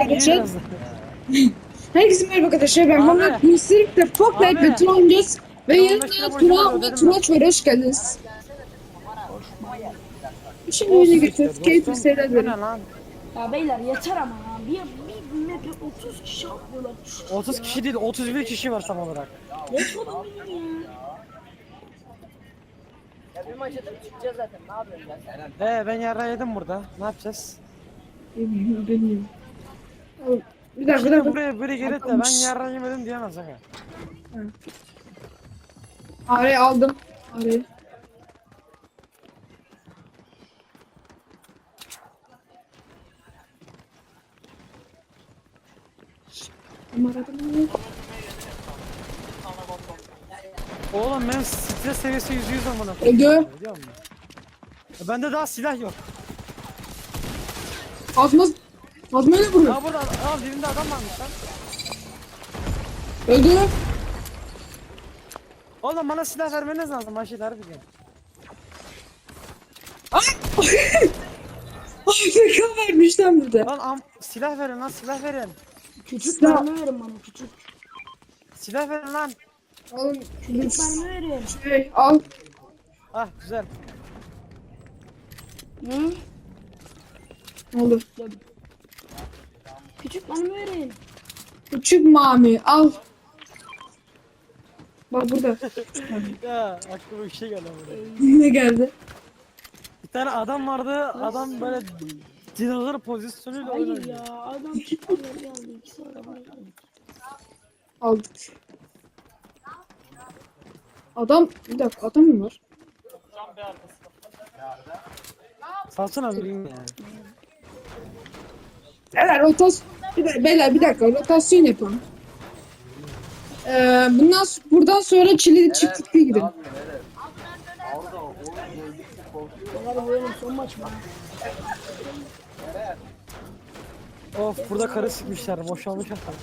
arkadaşlar. biraz. Herkese merhaba arkadaşlar. Ben Abi. Muhammed Mısır'la Fortnite Abi. ve Tron oynayacağız. Ve 15 yanımda lira borcum var, Tron ve ödedim ben. Turaç var. Hoş geldiniz. Şimdi O oyuna siktir geçiyoruz. Keyifli dostum. seyirler Bu ne dilerim. lan? Ya beyler yeter ama ya. Bir map'e 30 kişi atlıyorlar. 30 kişi değil 31 kişi var tam olarak. Geç oğlum benim ya. Ya bir maç atıp çıkacağız zaten. Ne yapıyorsun ya? Ben yara yedim burada. Ne yapacağız? Bilmiyorum. Bir dakika, bir Şimdi dakika. buraya biri gelip de ben yara yemedim diyemez aga. Arayı aldım. Arayı. Ama aradım. Oğlum benim stres seviyesi %100 amına. Öldü. Biliyor musun? Bende daha silah yok. Azmayla vuruyor. Ha burada al dibinde adam varmış lan. Öldü. Oğlum bana silah vermeniz lazım Ayşe harbi diyorum. Ay! AFK vermiş lan burada. Lan silah verin lan silah verin. Küçük Silah. mermi verin bana küçük. Silah verin lan. Oğlum Küçük mermi verin. al. Ah güzel. Hı? Ne oldu? Küçük mermi verin. Küçük mami al. Bak burada. Ya aklıma bir şey geldi burada. Ne geldi? Bir tane adam vardı. Adam böyle dinozor pozisyonuyla Hayır oynuyor. ya adam çıktı böyle aldı. İkisi arabaya geldi. Aldık. Adam bir dakika adam mı var? Salsana biriyim ya. Beyler bir dakika rotasyon yapalım. Buradan sonra Çili çiftlikte gidelim. Beyler bu oyunun son maç mı? Of burada karı sıkmışlar. Boşalmış hatta.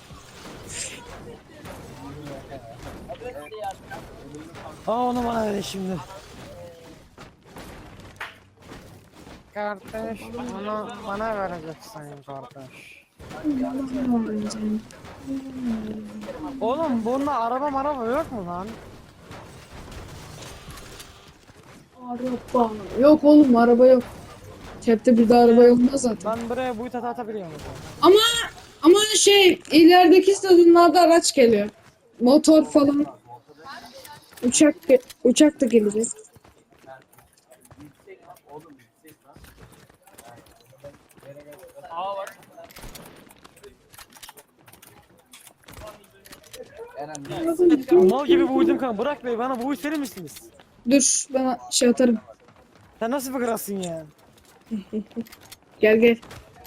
Onu bana verin şimdi. Kardeş onu bana vereceksin kardeş. Oğlum bunda araba yok mu lan? Araba. Yok oğlum araba yok. Çepte bir de araba olmaz zaten. Ben buraya bu tata atabiliyorum. Ama ilerideki stadyumlarda araç geliyor. Motor falan. Uçak da gelecek. Mal gibi buydum kanka. Bırak bey bana buğuş verir misiniz? Dur bana şey atarım. Sen nasıl bir kralsın ya? Gel.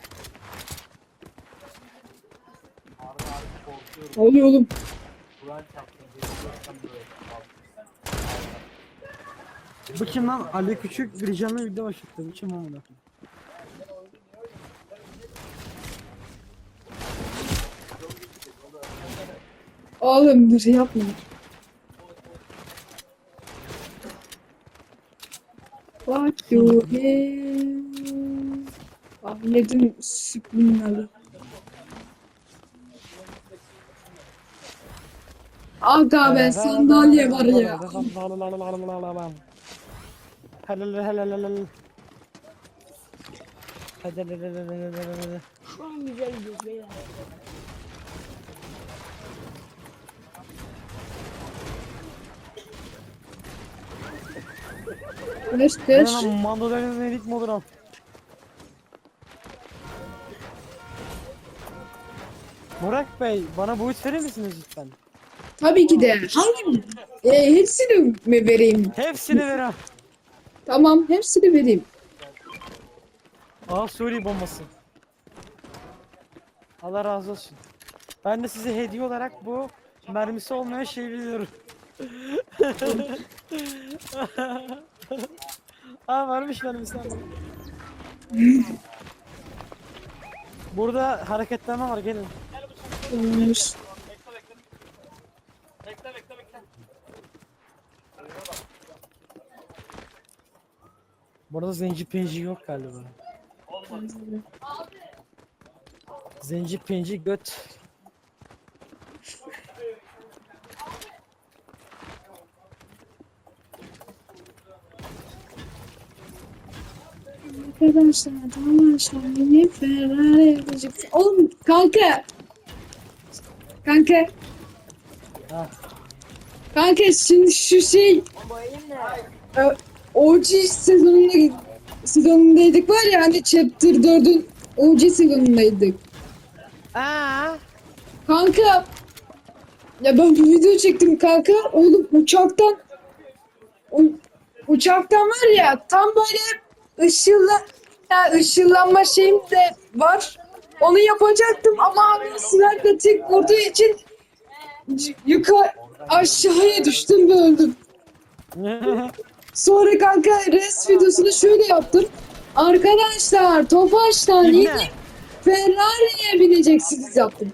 Ne oluyor oğlum? Bu kim lan? Ali Küçük bir canlı video başlattı. Bu kim amına? Oğlum dur yapma. What you have? Ahmet'in subliminali. Aga be sandalye var ya. Şu an güzel gidiyoruz beyler. Geç. Mandolinin elit modur al. Burak Bey bana bu verir misiniz lütfen? Tabii ki de. Hangi? Hepsini mi vereyim? Hepsini ver ha. Tamam hepsini vereyim. Suriye bombası. Allah razı olsun. Ben de size hediye olarak bu mermisi olmayan şeyi veriyorum. Varmış mermisi abi. Burada hareketlenme var gelin. Olmuş. Burada zenci penci yok galiba. Zenci penci göt. Arkadaşlar yine Ferrari yapacaksın. Oğlum kanka. Kanka. Ha. Kanka şimdi şu şey Bu elim ne? OG sezonundaydık var ya hani Chapter 4'ün OG sezonundaydık. Kanka ya ben bir video çektim kanka. Oğlum uçaktan var ya tam böyle ışınlanma şeyim de var. Onu yapacaktım ama abi sniper tek vurduğu için aşağıya düştüm ve öldüm. Sonra kanka res videosunu şöyle yaptım. Arkadaşlar Tofaş'tan Dinle. yeni Ferrari'ye bineceksiniz yaptım.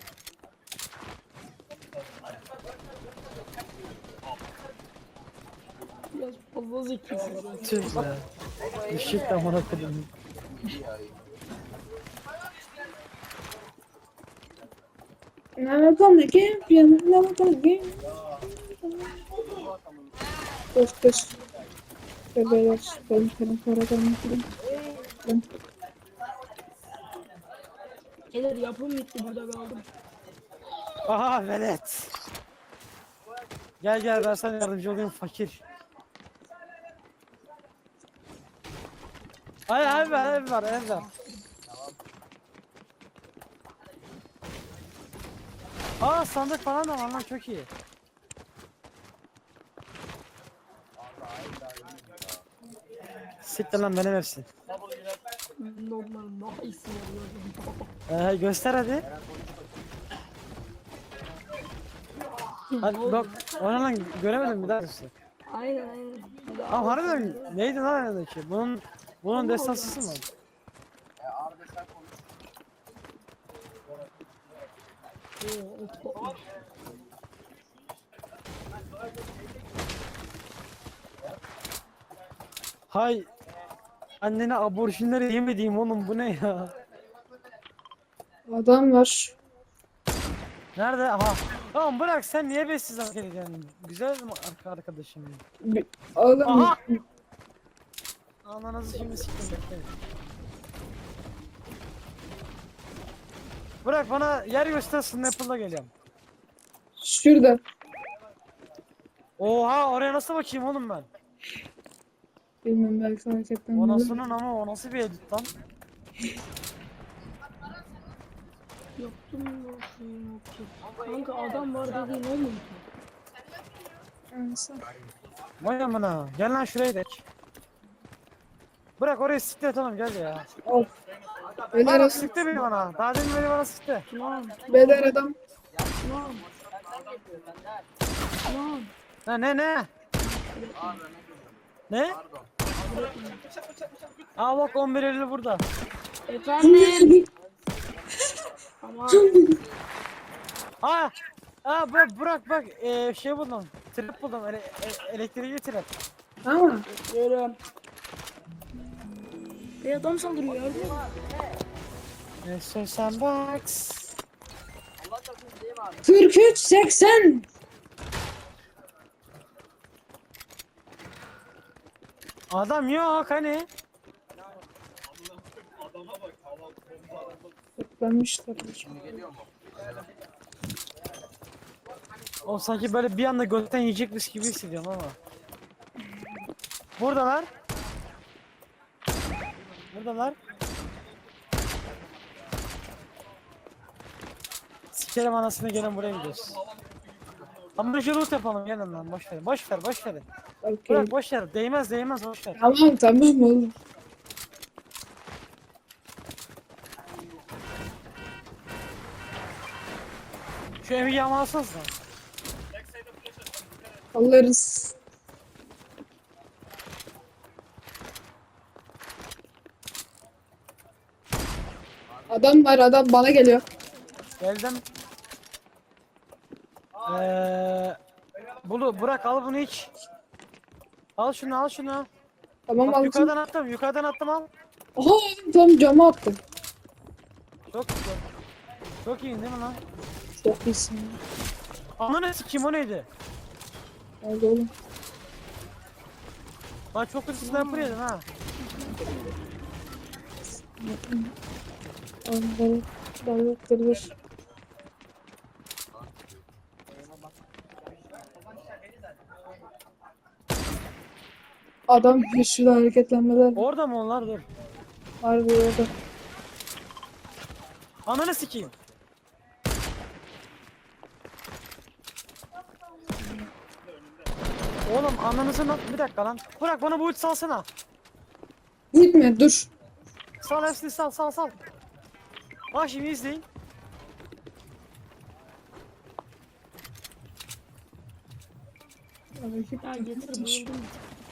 Biraz fazla zekisin. Tüh be. Düşük de amına koyayım. Never come again, never come again. Koş koş. Bebeler, ben paradan mutluyum. Gelir yapım bitti burada kaldım. Aha velet. Gel gel ben sana yardımcı olayım fakir. Hayır ev var ev var ev var. Aa sandık falan da var lan çok iyi. Siktir lan benim hepsi. Normal daha iyisini arıyorum. Göster hadi. Hadi bak ona lan göremedim bir daha göster. Aynen. Aa harbiden neydi lan aradaki? Bunun destansısı mı? Hay annene aborjinleri yemediğim oğlum bu ne ya? Adam var. Nerede? Aha. Tamam bırak sen niye bessiz hareket ediyorsun? Güzel mi arkadaşım? Oğlum Aha! Ananızı şimdi siktim bekleyin. Bırak bana yer göster Snapple'la geleceğim. şurada. Oha oraya nasıl bakayım oğlum ben? Bilmiyorum belki hareketten. O nasılın ama o nasıl bir edit lan? Yaptım yaptım. Kanka adam var dediğin olmuyor mu? Neyse. Vay amına gel lan şuraya dek. Bırak oraya siktir oğlum gel ya. Al. Beyler Bırak adam. siktir beni bana. Daha demin beni bana sikti. Lan Beyler adam. lan lan. Ha ne? Ne? Aa bak 11.50 burada. Efendim. Tamam. Bırak bak şey buldum. Trap buldum. Elektriği trap. Ama Görüyorum. Bir adam saldırıyor ya. Sen box. 43-80. Adam yok hani. Toplanmışlar. O sanki böyle bir anda gökten yiyecekmiş gibi hissediyorum ama. Buradalar. Sikerim anasını gelin buraya gidiyoruz. Ama şu loot yapalım gelin lan boş ver. Okay. Bırak boş ver. Değmez boş ver. Tamam oğlum. Şu evi yağmalasınız da. Alırız. Adam var adam bana geliyor. Geldim. Bırak al bunu iç. Al şunu. Tamam Bak, aldım. yukarıdan attım al. Aha tam cama attım. Çok güzel. Çok iyi değil mi lan? Çok iyisin. Ananı sikeyim o neydi? Oldu oğlum. Lan çok hızlı sniper yedin ha. Onları davettir. Adam şurada hareketlenmeler Orada mı onlar dur. var bir orada. Ananı sikeyim. Oğlum ananızı bir dakika lan. Bırak bana bu ulti salsana. Gitme dur. Sal hepsini sal. Bak şimdi izleyin. Ya getir bayıldım.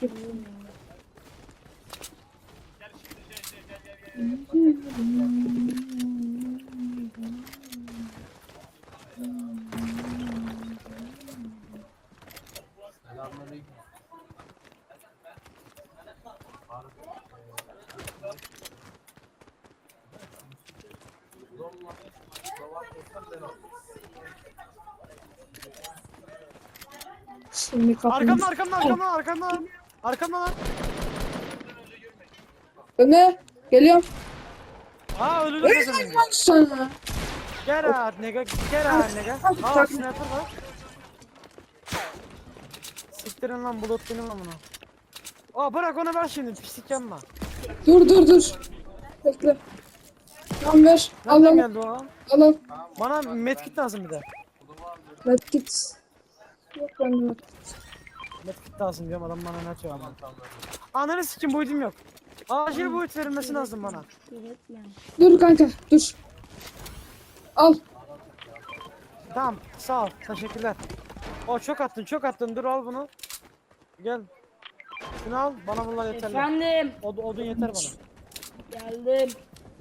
Şimdi kapımız. Arkamdan lan. Öne. Geliyorum. Aa öldürdüm seni. Bak sana. Gel out nigga. Aa sniper var. Siktirin lan bulut benim amına. Aa bırak onu ver şimdi pislik yapma. Dur. Bekle. Tamam ver. Al Nereden al. geldi o? Al. Bana medkit lazım bir de. Medkit. Yok bende medkit. Medkit lazım diyorum adam bana ne atıyor ama. Ananı sikim bu ultim yok. Acil bu ulti verilmesi lazım bana. Öğretmen. Dur kanka dur. Al. Tamam sağ ol teşekkürler. O çok attın dur al bunu. Gel. Şunu al bana bunlar yeterli. Efendim. Odun yeter bana. Geldim.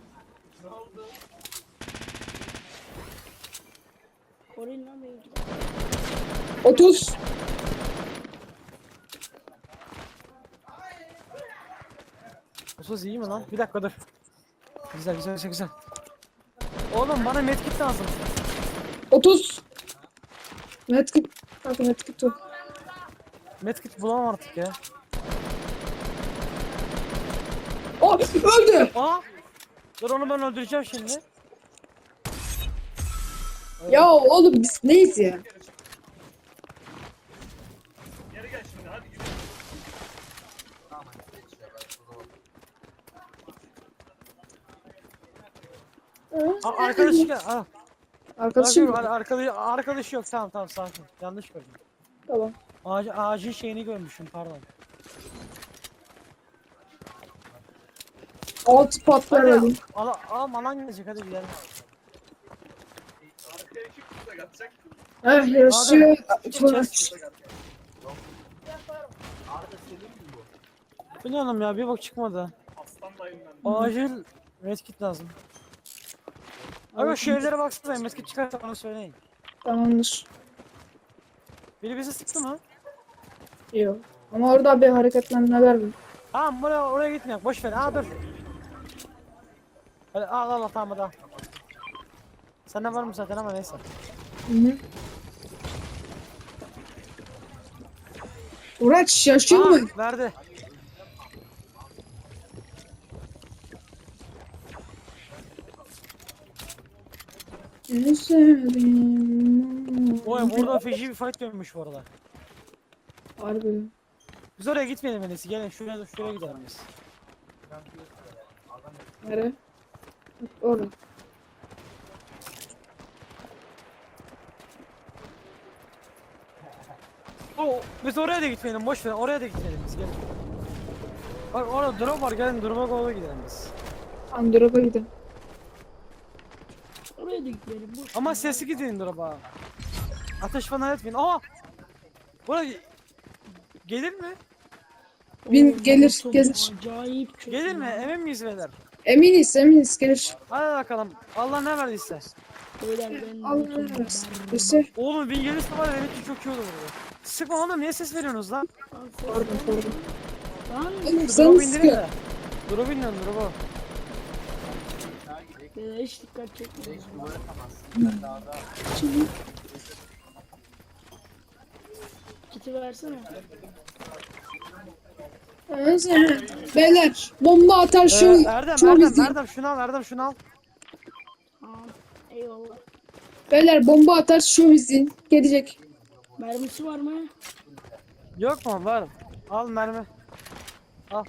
Koruyun lan beni. 30. Usuz iyi mi lan? Bir dakika dur. Güzel. Oğlum bana medkit lazım. 30. Medkit. Kanka medkit yok. Medkit bulamam artık ya. Oh öldü. Aa! Dur onu ben öldüreceğim şimdi. Ya oğlum biz neyiz ya? Arkadaşı gel. Al. Arkadaşım. Arkadaşı yok. Tamam sakin. Yanlış gördüm. Tamam. Ağacın şeyini görmüşüm pardon. Alt patlar Hadi alayım. alan gelecek hadi gidelim. Yaşıyor. Gideceğiz. Bilmiyorum ya bir bak çıkmadı. Acil medkit lazım. Aga şu evlere baksana medkit çıkarsa bana söyleyin. Tamamdır. Biri bizi sıktı mı? Yok. Ama orada bir hareketlenmeler var. Tamam oraya gitmeyek boş ver. Dur. Hadi al tamam hadi al. Sende var mı zaten ama neyse. Hı. Uğraş yaşıyor mu? Verdi. Ne sevdim. Oy burada feci bir fight dönmüş bu arada. Harbi. Biz oraya gitmeyelim en iyisi. Gelin şuraya gidelim biz. Nere? Orada. Biz oraya da gitmeyelim boş ver. Oraya da gitmeyelim biz gelin. Bak orada drop var gelin drop'a doğru gidelim biz. Androp'a gidelim. Oraya da gidelim. Ama sesi gidin drop'a. Ateş falan etmeyin. Aa! Buraya gelir mi? Gelir. Acayip çok. Gelir mi? Emin miyiz beyler? Eminiz gelir. Hadi bakalım. Allah ne verdiyse. Beyler ben Allah versin. Oğlum bin gelirse var ya benim için çok iyi olur burada. Sıkma oğlum niye ses veriyorsunuz lan? Pardon. Lan Oğlum Drop sen indirin sıkıyor. de. Drop indirin drop'u. Beyler hiç dikkat çekmiyoruz. Şimdi Kiti versene. neyse. Beyler bomba atar şu Erdem şu Erdem bizi. Erdem şunu al Erdem şunu al. Tamam. Eyvallah. Beyler bomba atar şu bizi. Gelecek. Mermisi var mı? Yok mu? Var. Al mermi. Al.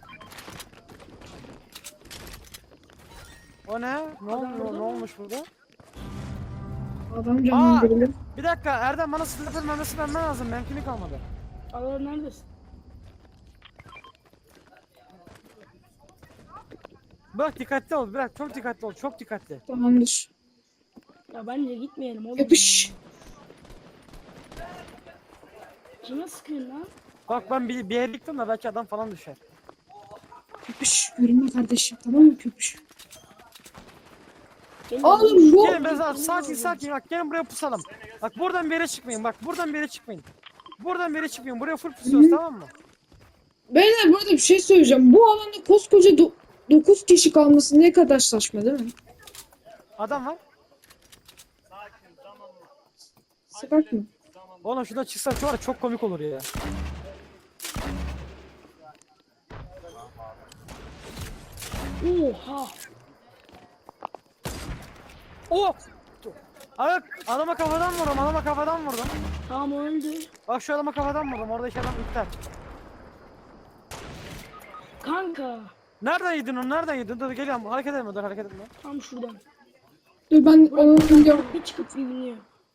O ne? Ne olmuş burada? Adam canlandırılır. Bir dakika Erdem bana sniper mermisi vermen lazım. Benimkini kalmadı. Allah neredesin? Bak dikkatli ol. Bırak çok dikkatli ol. Çok dikkatli. Tamamdır. Ya bence gitmeyelim oğlum. Yapış. Kime sıkıyorsun lan? Bak ben bir yere gittim de belki adam falan düşer. Köpüş. Görünme kardeşim. Tamam mı köpüş? Gelin Oğlum bu. Gelin Bezar sakin bak gelin buraya pusalım. Bak buradan bir yere çıkmayın. Bak buradan bir yere çıkmayın. Buradan bir yere çıkmayın. Buraya full pusuyoruz tamam mı? Beyler burada bir şey söyleyeceğim. Bu alanda koskoca 9 kişi kalması ne kadar saçma değil mi? Adam var. Sıkak mı? Oğlum şuradan çıksak var ya çok komik olur ya. Oha. Oh! Evet adama kafadan vurdum. Tamam öldü. Bak şu adama kafadan vurdum. Oradaki adam iptal. Kanka. Nereden yedin onu? Nereden yedin? Dur geliyorum. Hareket etme. Dur hareket etme. Tam şuradan. Dur ben onu biliyorum. Bir çıkıp bir biniyor.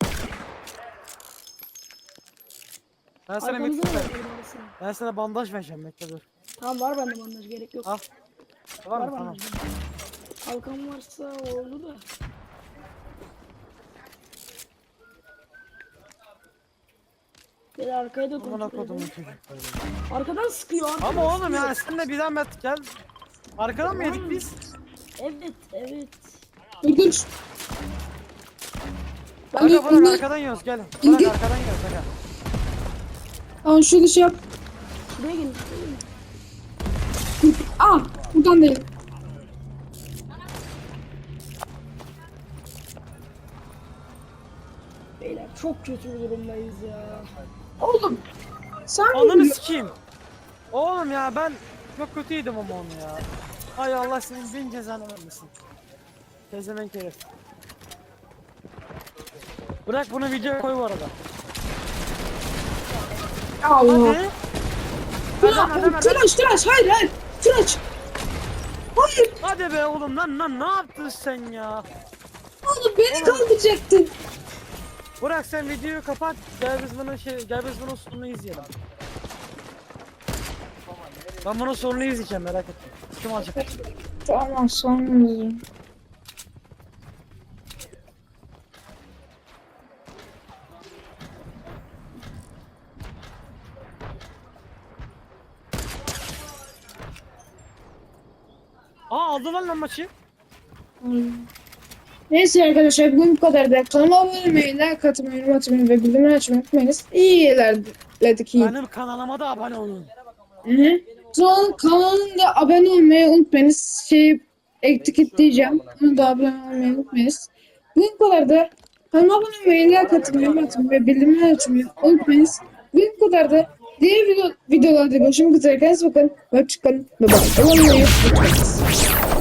Ben sana Arkamızda mektup da ver. var birisi. Ben sana bandaj vereceğim. Bekle dur. Tamam var bende bandaj gerek yok. Al. Var mı? Tamam. bandaj. Kalkan varsa oldu da. Beni arkaya da Bana kontrol kodumun edin. çocukları. Arkadan sıkıyor. Arkadan Ama oğlum sıkıyor. yani sen de bir zahmet gel. Arkadan mı yedik biz? Evet. Dur dur. Aga bırak bunlar- arkadan yiyoruz gel. Bırak İlgi- arkadan yiyoruz aga. Tamam şunu şey yap. Şuraya gelin. Şuraya gelin. Aa buradan değil. Beyler çok kötü bir durumdayız ya. Oğlum. Sen mi Ananı biliyorsun? sikeyim. Oğlum ya ben çok kötüydüm ama onu ya. Ay Allah senin bin cezanı vermesin. Tezemenk herif. Bırak bunu videoya koy bu arada. Allah. Hadi. Adam. Tıraş. Hayır. Tıraş. Hayır. Hadi be oğlum lan ne yaptın sen ya? Oğlum beni kaldıracaktın. Bırak sen videoyu kapat. Gel biz bunun sonunu izleyelim. Ben bunun sonunu izleyeceğim merak etme. Kim alacak? Tamam sonra. Aldılar lan maçı. Neyse arkadaşlar bugün bu kadar da kanalıma abone olmayı, like atmayı, yorum atmayı ve bildirimleri açmayı unutmayınız. İyi ilerledik iyi. Benim kanalıma da abone olun. Hı. Son kanalında abone olmayı unutmayınız. Etiketleyeceğim. Onu da abone olmayı unutmayınız. Bugün bu kadar da kanalıma abone olmayı, like atmayı, yorum atmayı ve bildirimleri açmayı unutmayınız. Bugün bu kadar da diğer videolarda görüşmek üzere. Kendinize bakın. Hoşçakalın. Bye bye. Abone olmayı unutmayınız.